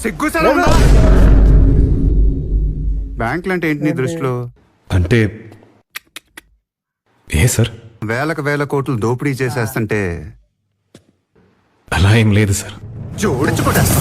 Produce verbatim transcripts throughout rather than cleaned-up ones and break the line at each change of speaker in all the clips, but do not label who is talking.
సిగ్గుసలా ఉందా? బ్యాంకులు అంటే ఏంటి నీ దృష్టిలో?
అంటే ఏ సార్?
వేలకు వేల కోట్లు దోపిడీ చేసేస్తుంటే
అలా ఏం లేదు సార్.
జోడించుకోటేస్తా.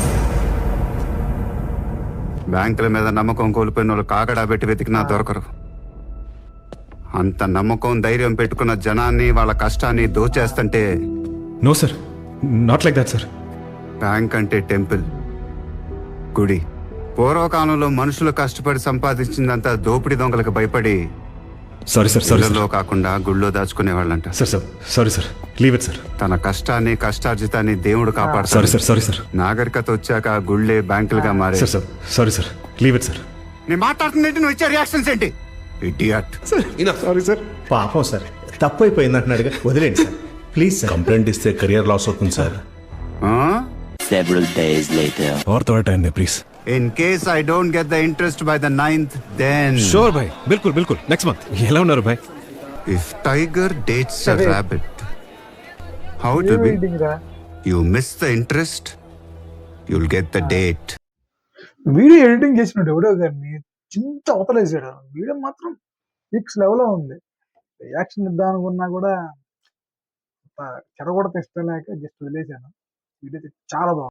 బ్యాంకుల మీద నమ్మకం కోల్పోయిన వాళ్ళు కాకడా పెట్టి వెతికినా దొరకరు. అంత నమ్మకం ధైర్యం పెట్టుకున్న జనాన్ని వాళ్ళ కష్టాన్ని దోచేస్తుంటే
no sir, not like that sir.
Bank అంటే టెంపుల్, గుడి. పూర్వకాలంలో మనుషులు కష్టపడి సంపాదించిందంతా దోపిడీ దొంగలకు భయపడి
సారీ సార్, సారీ సార్.
ఇళ్లలో కాకుండా గుళ్ళో దాచుకునేవాళ్ళంట.
Sir sir sorry sir, leave it sir.
తన కష్టాన్ని కష్టార్జితాన్ని దేవుడు
సారీ
కాపాడతాడు.
Sir, sorry sir.
నాగరికత వచ్చాక గుళ్ళే బ్యాంకులుగా మారే.
Sir sir sorry sir, leave it sir.
నేను మాట్లాడుతున్నట్టు నువ్వు ఇచ్చే రియాక్షన్స్ ఏంటి? ఇడియట్.
Sorry sir.
పాపం సార్, తప్పు అయిపోయింది అంటున్నాడుగా, వదిలేండి సార్ ప్లీజ్ సార్.
కంప్లైంట్ ఇస్తే కెరియర్ లాస్ అవుతుంది సార్.
Several days later.
और थोड़ा टाइम दे please.
In case I don't get the interest by the ninth, then
sure भाई, बिल्कुल बिल्कुल. Next month. ఎలా ఉన్నారు భాయ్?
if tiger dates a rabbit, how it will be? You miss the interest, you'll get the date.
Video editing చేసినాడు ఎవడో గారిని చింత అవతలేసాడు. వీడియో మాత్రం ఫిక్స్ లెవెల్లో ఉంది. రియాక్షన్ ఇద్దాం అనుకున్నా కూడా చెడగొడత ఇష్టం లేక జస్ట్ వదిలేసాను. వీడియో చాలా బాగుంది.